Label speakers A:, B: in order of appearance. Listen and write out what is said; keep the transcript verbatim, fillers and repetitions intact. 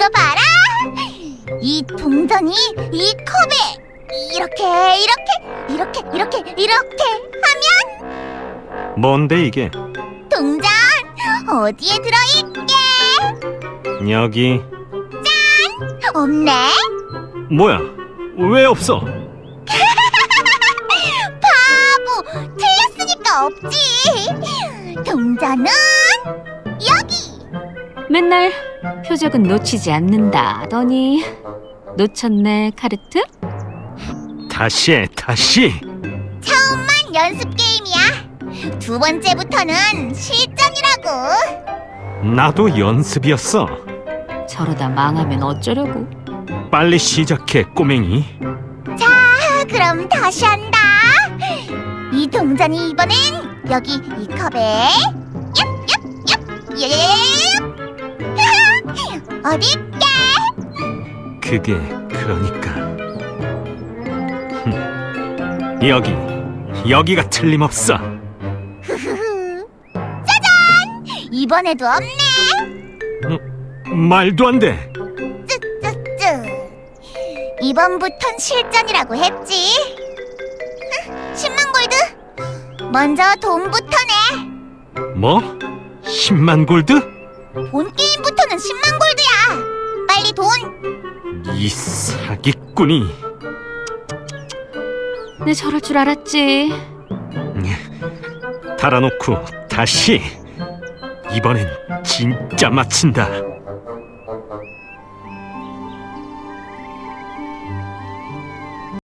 A: 이거 봐라. 이 동전이 이 컵에 이렇게 이렇게 이렇게 이렇게 이렇게 하면
B: 뭔데 이게?
A: 동전 어디에 들어있게?
B: 여기.
A: 없네.
B: 뭐야? 왜 없어?
A: 바보, 틀렸으니까 없지. 동전은 여기.
C: 맨날 표적은 놓치지 않는다더니 놓쳤네, 카르트?
B: 다시 해, 다시.
A: 처음만 연습 게임이야. 두 번째부터는 실전이라고.
B: 나도 연습이었어.
C: 저러다 망하면 어쩌려고?
B: 빨리 시작해, 꼬맹이.
A: 자, 그럼 다시 한다. 이 동전이 이번엔 여기 이 컵에 얍얍얍 얍. 어딨게?
B: 그게 그러니까. 흠, 여기, 여기가 틀림없어.
A: 짜잔! 이번에도 없네.
B: 말도 안 돼.
A: 쯔쯔쯔. 이번부턴 실전이라고 했지. 십만 골드. 먼저 돈부터 내.
B: 뭐? 십만 골드?
A: 본 게임부터는 십만 골드야. 빨리 돈.
B: 이 사기꾼이.
C: 내 저럴 줄 알았지.
B: 달아놓고 다시. 이번엔 진짜 마친다.